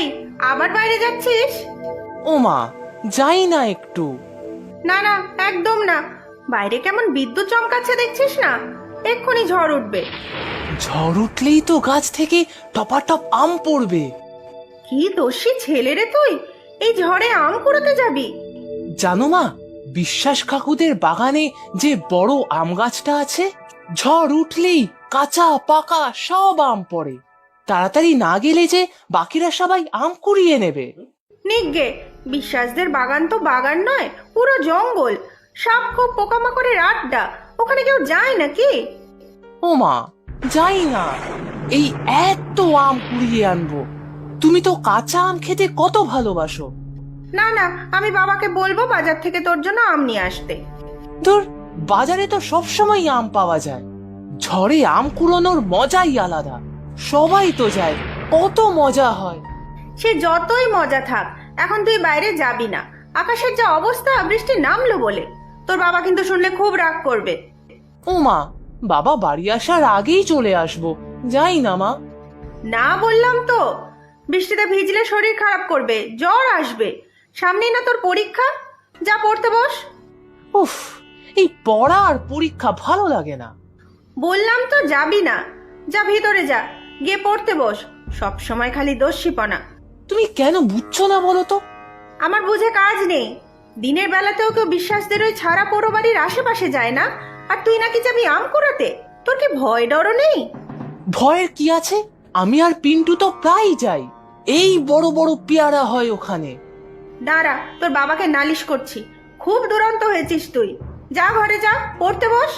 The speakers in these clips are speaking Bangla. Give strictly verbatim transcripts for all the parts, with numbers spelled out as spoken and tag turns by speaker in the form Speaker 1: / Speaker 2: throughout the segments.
Speaker 1: আবার বাইরে যাচ্ছিস?
Speaker 2: ওমা, যাই না একটু।
Speaker 1: না না, একদম না। বাইরে কেমন বিদ্যুৎ চমকাচ্ছে দেখছিস না? এক্ষুনি ঝড় উঠবে।
Speaker 2: ঝড় উঠলেই তো গাছ থেকে টপাটপ আম পড়বে।
Speaker 1: কি দোষী ছেলে রে তুই, এই ঝড়ে আম কুড়াতে যাবি?
Speaker 2: জানো মা, বিশ্বাস কাকুদের বাগানে যে বড় আম গাছটা আছে, ঝড় উঠলেই কাঁচা পাকা সব আম পড়ে। তাড়াতাড়ি না গেলে যে বাকিরা সবাই আম কুড়িয়ে নেবে।
Speaker 1: নিগ্গে, বিশ্বাসদের বাগান তো বাগান নয়, পুরো জঙ্গল। সাপ খুব পোকামাকড়ের আড্ডা, ওখানে কেউ যায় নাকি?
Speaker 2: ওমা, যাই না। এই এত আম কুড়িয়ে আনবো। তুমি তো কাঁচা আম খেতে কত ভালোবাসো।
Speaker 1: না না, আমি বাবাকে বলবো বাজার থেকে তোর জন্য আম নিয়ে আসতে।
Speaker 2: ধুর, বাজারে তো সবসময় আম পাওয়া যায়। ঝড়ে আম কুড়োনোর মজাই আলাদা। সবাই তো যায়, কত মজা হয়।
Speaker 1: সে যতই মজা থাক, এখন তুই বাইরে যাবি না। আকাশের যা অবস্থা, বৃষ্টি নামলো বলে। তোর বাবা কিন্তু শুনলে খুব রাগ করবে।
Speaker 2: ওমা, বাবা বাড়ি আসার আগেই চলে আসবো। যাই না মা।
Speaker 1: না বললাম তো, বৃষ্টিতে ভিজলে শরীর খারাপ করবে, জ্বর আসবে। সামনেই না তোর পরীক্ষা, যা পড়তে বস।
Speaker 2: উফ, এই পড়া আর পরীক্ষা ভালো লাগে না।
Speaker 1: বললাম তো যাবি না, যা ভিতরে যা, গিয়ে পড়তে বস। সব সময় খালি দোষীপনা।
Speaker 2: তুমি কেন বুঝছো না বলো তো?
Speaker 1: আমার বুঝে কাজ নেই। দিনের বেলাতেও কেউ বিশ্বাসদের ওই ছাড়া পোড়ো বাড়ির আশেপাশে যায় না, আর তুই নাকি যাবি আম কুড়াতে? তোর কি ভয় ডরও নেই?
Speaker 2: ভয়ের কি আছে? আমি আর পিন্টু তো প্রায় যাই। এই বড় বড় পেয়ারা হয় ওখানে।
Speaker 1: দাঁড়া, তোর বাবাকে নালিশ করছি। খুব দুরন্ত হয়েছিস তুই। যা ঘরে যা, পড়তে বস।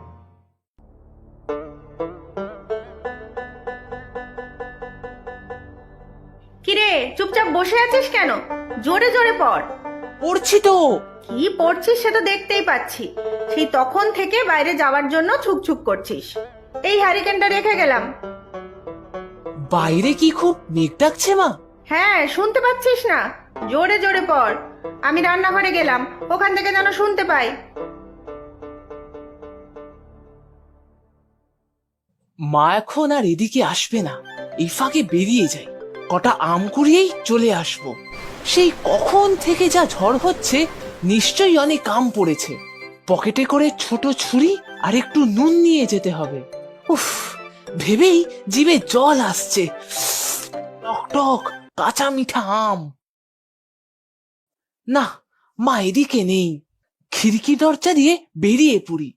Speaker 1: কিরে, চুপচাপ বসে আছিস কেন? জোরে জোরে পড়।
Speaker 2: পড়ছি তো।
Speaker 1: কি পড়ছিস সে তো দেখতেই পাচ্ছি। সেই তখন থেকে বাইরে যাওয়ার জন্য ছুকছুক করছিস। এই হ্যারিকেনটা রেখে গেলাম।
Speaker 2: বাইরে কি খুব মেঘ ডাকছে মা?
Speaker 1: হ্যাঁ, শুনতে পাচ্ছিস না? জোরে জোরে পড়। আমি রান্নাঘরে গেলাম, ওখান থেকে যেন শুনতে পাই।
Speaker 2: মা এখন আর এদিকে আসবে না। এই ফাঁকে বেরিয়ে যাই, কটা আম কুড়িয়েই চলে আসবো। সেই কখন থেকে যা ঝড় হচ্ছে, নিশ্চয়ই অনেক আম পড়েছে। পকেটে করে ছোট ছুরি আর একটু নুন নিয়ে যেতে হবে। উফ, ভেবেই জিভে জল আসছে। টক টক কাঁচা মিঠা আম। না, মা এদিকে নেই। খিড়কি দরজা দিয়ে বেরিয়ে পড়ি।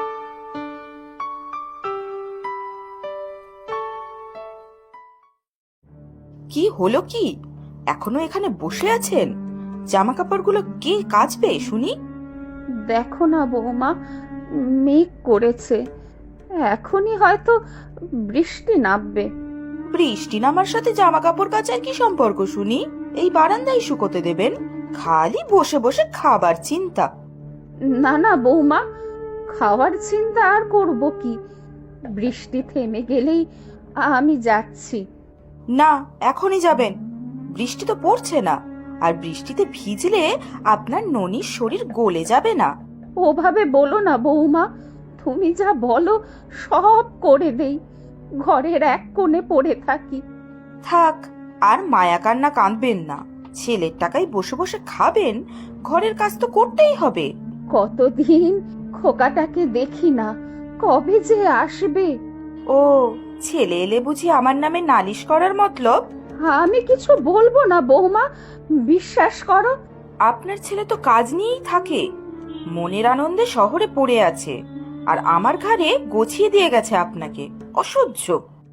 Speaker 3: কি হলো কি? এখনো এখানে বসে আছেন? জামা কাপড়গুলো কে কাচবে শুনি?
Speaker 4: দেখো না বৌমা, মেঘ করেছে, এখনই হয়তো বৃষ্টি নামবে।
Speaker 3: বৃষ্টি নামার সাথে জামা কাপড় কাচার কি সম্পর্ক শুনি? এই বারান্দায় শুকোতে দেবেন? খালি বসে বসে খাবার চিন্তা।
Speaker 4: না না বৌমা, খাওয়ার চিন্তা আর করব কি? বৃষ্টি থেমে গেলেই আমি যাচ্ছি।
Speaker 3: না, এখনই যাবেন? বৃষ্টি তো পড়ছে না, আর বৃষ্টিতে ভিজলে আপনার ননির শরীর গলে যাবে না?
Speaker 4: ওভাবে বলো না বৌমা, তুমি যা বলো সব করে দেই। ঘরের এক কোণে পড়ে থাকি।
Speaker 3: থাক, আর মায়া কান্না কাঁদবেন না। ছেলের টাকায় বসে বসে খাবেন, ঘরের কাজ তো করতেই হবে।
Speaker 4: কতদিন খোকাটাকে দেখি না, কবে যে আসবে?
Speaker 3: ও, ছেলে এলে বুঝি আমার নামে নালিশ করার মতলব?
Speaker 4: আমি কিছু বলবো না বৌমা, বিশ্বাস করো।
Speaker 3: আপনার ছেলে তো কাজ নিয়েই থাকে, মনের আনন্দে শহরে পড়ে আছে, আর আমার ঘাড়ে গছিয়ে দিয়ে গেছে আপনাকে। অসহ্য।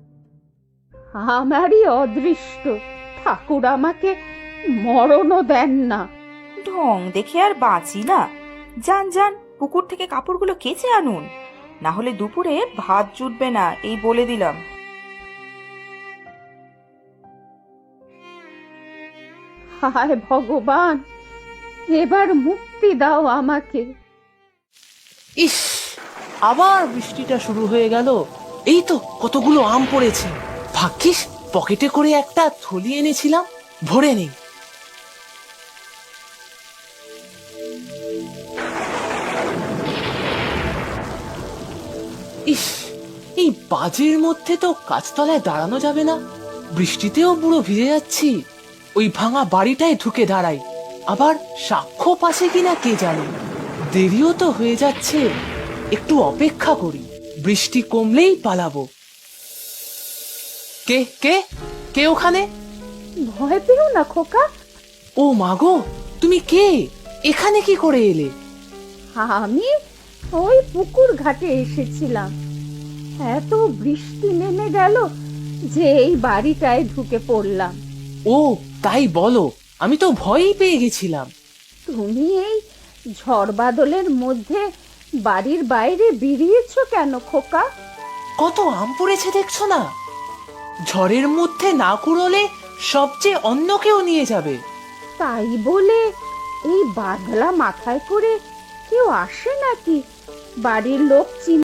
Speaker 4: আমারই অদৃষ্ট, ঠাকুর আমাকে মরণও দেন না।
Speaker 3: ঢং দেখে আর বাঁচি না। যান যান, পুকুর থেকে কাপড়গুলো কেচে আনুন, না হলে দুপুরে ভাত জুটবে না, এই বলে দিলাম।
Speaker 4: হায় ভগবান, এবার মুক্তি দাও আমাকে।
Speaker 2: ইস, আবার বৃষ্টিটা শুরু হয়ে গেল। এই তো কতগুলো আম পড়েছে। ভাগ্যিস পকেটে করে একটা থলি এনেছিলাম, ভরে নেই। ইস, এই বাজের মধ্যে তো গাছতলায় দাঁড়ানো যাবে না। বৃষ্টিতেও পুরো ভিজে যাচ্ছি। ওই ভাঙা বাড়িটায় ঢুকে দাঁড়াই। আবার সাক্ষ্য পাশে কিনা কে জানে। দেরিও তো হয়ে যাচ্ছে, একটু অপেক্ষা করি, বৃষ্টি কমলেই পালাবো। কে কে কে ওখানে?
Speaker 4: ভয় পেও না খোকা,
Speaker 2: ও মাগো, তুমি কে? এখানে কি করে এলে?
Speaker 4: আমি ওই পুকুর ঘাটে এসেছিলাম। এত বৃষ্টি নেমে গেল যে এই বাড়িটায় ঢুকে পড়লাম।
Speaker 2: ও তাই বলো, আমি তো ভয়ই পেয়ে গেছিলাম।
Speaker 4: তুমি এই ঝড় বাদলের মধ্যে বাড়ির বাইরে বেরিয়েছো কেন খোকা?
Speaker 2: কত আম পড়েছে দেখছো না? ঝড়ের মধ্যে না কুড়োলে সবচেয়ে অন্য কেউ নিয়ে যাবে।
Speaker 4: তাই বলে এই বাদলা মাথায় করে কেউ আসে নাকি? বাড়ির লোক চিন